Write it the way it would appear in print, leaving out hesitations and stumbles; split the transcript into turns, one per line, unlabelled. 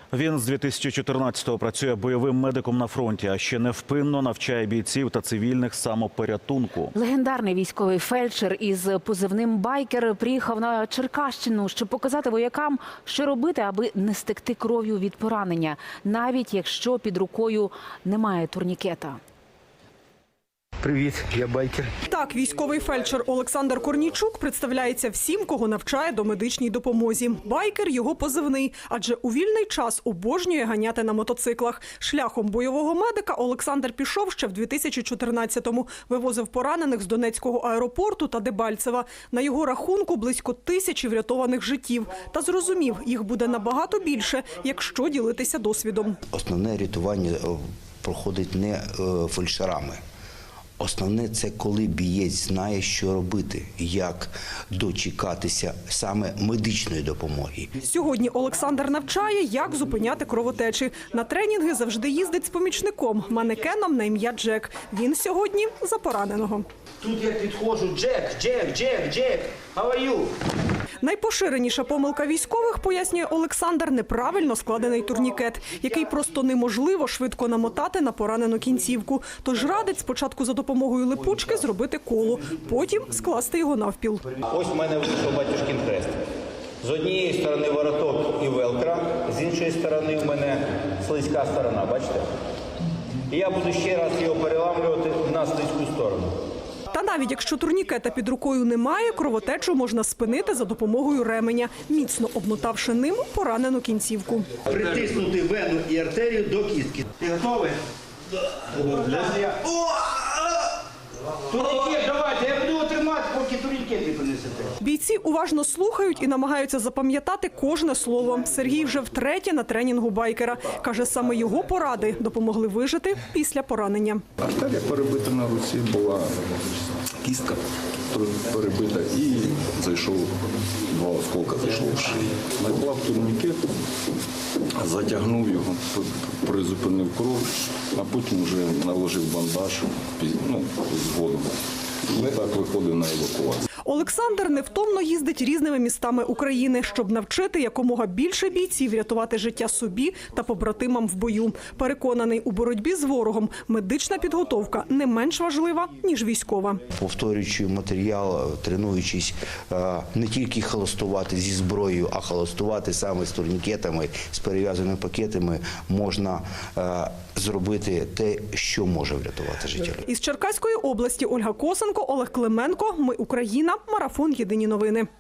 Він з 2014-го працює бойовим медиком на фронті, а ще невпинно навчає бійців та цивільних самопорятунку.
Легендарний військовий фельдшер із позивним «Байкер» приїхав на Черкащину, щоб показати воякам, що робити, аби не стекти кров'ю від поранення, навіть якщо під рукою немає турнікета.
Привіт, я байкер.
Так, військовий фельдшер Олександр Корнійчук представляється всім, кого навчає домедичній допомозі. Байкер – його позивний, адже у вільний час обожнює ганяти на мотоциклах. Шляхом бойового медика Олександр пішов ще в 2014-му. Вивозив поранених з Донецького аеропорту та Дебальцева. На його рахунку близько 1000 врятованих життів. Та зрозумів, їх буде набагато більше, якщо ділитися досвідом.
Основне рятування проходить не фельдшерами. Основне – це коли бієць знає, що робити, як дочекатися саме медичної допомоги.
Сьогодні Олександр навчає, як зупиняти кровотечі. На тренінги завжди їздить з помічником, манекеном на ім'я Джек. Він сьогодні за пораненого.
Тут я підходжу, Джек, how are you?
Найпоширеніша помилка військових, пояснює Олександр, неправильно складений турнікет, який просто неможливо швидко намотати на поранену кінцівку. Тож радить спочатку за допомогою липучки зробити коло, потім скласти його навпіл.
Ось в мене вийшов батюшкин хрест. З однієї сторони вороток і велкра, з іншої сторони в мене слизька сторона, бачите? І я буду ще раз його переламлювати на слизьку сторону.
Та навіть якщо турнікета під рукою немає, кровотечу можна спинити за допомогою ременя, міцно обмотавши ним поранену кінцівку.
Притиснути вену і артерію до кістки. Ти готовий? Турнікет, давайте, я буду тримати, поки турнікет не принесете.
Бійці уважно слухають і намагаються запам'ятати кожне слово. Сергій вже втретє на тренінгу байкера. Каже, саме його поради допомогли вижити після поранення.
Артерія перебита на руці, була кістка перебита і зайшов, 2 осколка зайшло в шию. Наклав турнікет, затягнув його, призупинив кров, а потім вже наложив бандаж, згодом. І так виходив на евакуацію.
Олександр невтомно їздить різними містами України, щоб навчити якомога більше бійців рятувати життя собі та побратимам в бою. Переконаний, у боротьбі з ворогом медична підготовка не менш важлива, ніж військова.
Повторюючи матеріал, тренуючись не тільки холостувати зі зброєю, а холостувати саме з турнікетами, з перев'язаними пакетами, можна зробити те, що може врятувати життя.
Із Черкаської області Ольга Косенко, Олег Клименко. Ми Україна. Марафон. Єдині новини.